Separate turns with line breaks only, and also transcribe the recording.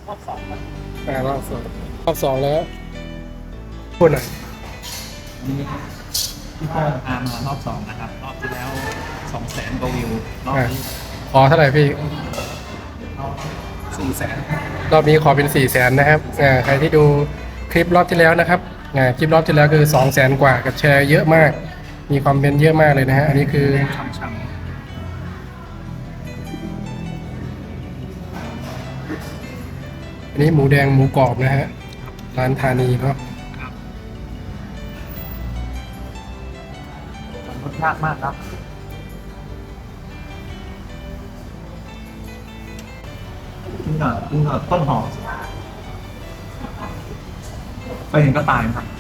รอบสองครับ
รอบสองแล้วพูดหน่อย
นี่พี่โป้งพามารอบสองนะครับรอบที่แล้ว200,000 กว่าวิวรอบนี้
ขอเท่าไหร่พี่
400,000
รอบนี้ขอเป็น400,000นะครับใครที่ดูคลิปรอบที่แล้วนะครับคลิปรอบที่แล้วคือ200,000 กว่ากับแชร์เยอะมาก มีคอมเมนต์เยอะมากเลยนะฮะอันนี้คือ
ช่ำ
อันนี้หมูแดงหมูกรอบนะฮะร้านธานีเนาะ
ๆครับรสชาติมากครับกินกับต้นหอมไปเห็นก็ตายครับ